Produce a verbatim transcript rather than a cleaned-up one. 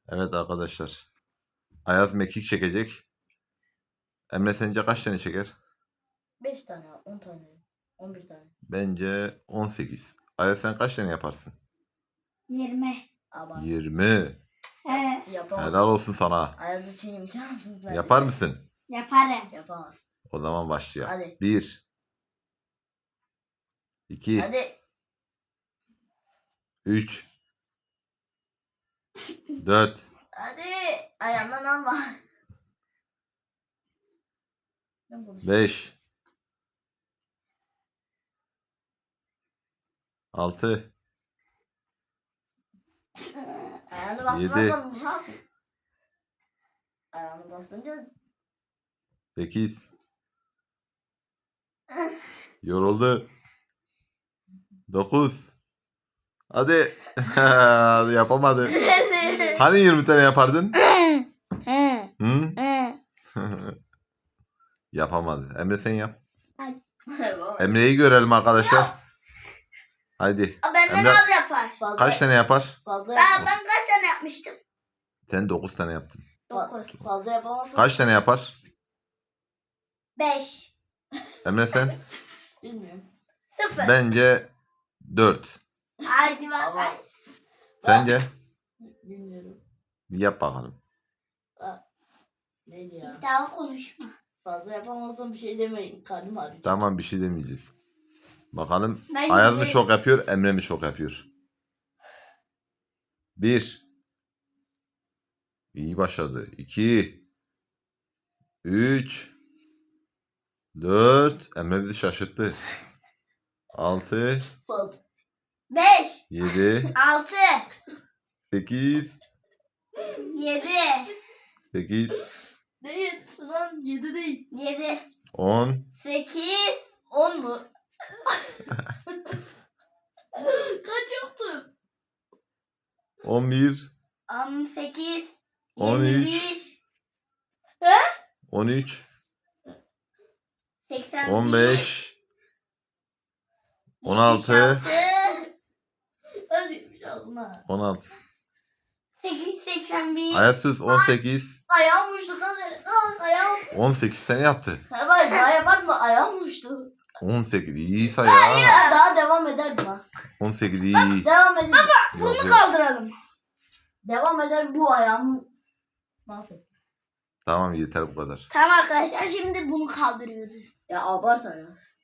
Evet arkadaşlar. Ayaz mekik çekecek. Emre sence kaç tane çeker? beş tane, on tane, on bir tane. Bence on sekiz. Ayaz sen kaç tane yaparsın? yirmi. Ama yirmi. He, yapamaz. Helal olsun sana. Ayaz için imkansız. neredeyse. Yapar mısın? yaparım. Yapamaz. O zaman başlayalım. Hadi. bir iki Hadi. üç dört Hadi. Ayağından alma. Ben konuşuyorum. beş altı Ayağını Yedi. bastırmazsan ne yapayım? Ayağını bastırınca sekiz Yoruldu. dokuz Hadi. Yapamadı. Hani yirmi tane yapardın? He, Hı? he. Yapamadı. Emre sen yap. Baba. Emre'yi görelim arkadaşlar. Haydi. O benden Emre az yapar. Fazla, kaç tane yapar? Fazla Ben, yapamaz. ben kaç tane yapmıştım? Sen dokuz tane yaptın. dokuz. Fazla yapamazsın. Kaç tane yapar? beş. Emre sen? Bilmiyorum. sıfır. Bence dört. Haydi Ama- bakalım. Sence? Bilmiyorum. Bir yap bakalım. Neydi ya? İddialı konuşma. Fazla yapamazsam bir şey demeyin. Karnım ağrıyor. Tamam bir şey demeyeceğiz. Bakalım Ben Ayaz mı yedi. çok yapıyor, Emre mi çok yapıyor? Bir. İyi başladı. İki. Üç. Dört. Emre bizi şaşırttı. Altı. Fazla. beş. Yedi. altı. Sekiz. yedi. Sekiz. Ne yedisi lan? Yedi değil. yedi. On. sekiz. On mu? Kaç yaptın? On bir. on sekiz. On üç. yirmi bir. On üç. seksen bir. On beş. On altı. yetmiş altı. Hadi yetmiş ağzına. On altı. sekiz yüz seksen bir. Ayaz sus. On sekiz. Ayağım uçtu. Kalk kalk ayağım. On sekiz sene yaptı. Ha bak daha yapar mı? Ayağım uçtu. On sekiz. İyi say ya. Daha devam ederdim ha. On sekiz iyi. Devam edelim. Yok, Bunu yok. kaldıralım. Devam eder bu ayağımı. Mahvet. Tamam yeter bu kadar. Tamam arkadaşlar şimdi bunu kaldırıyoruz. Ya abart ayağım.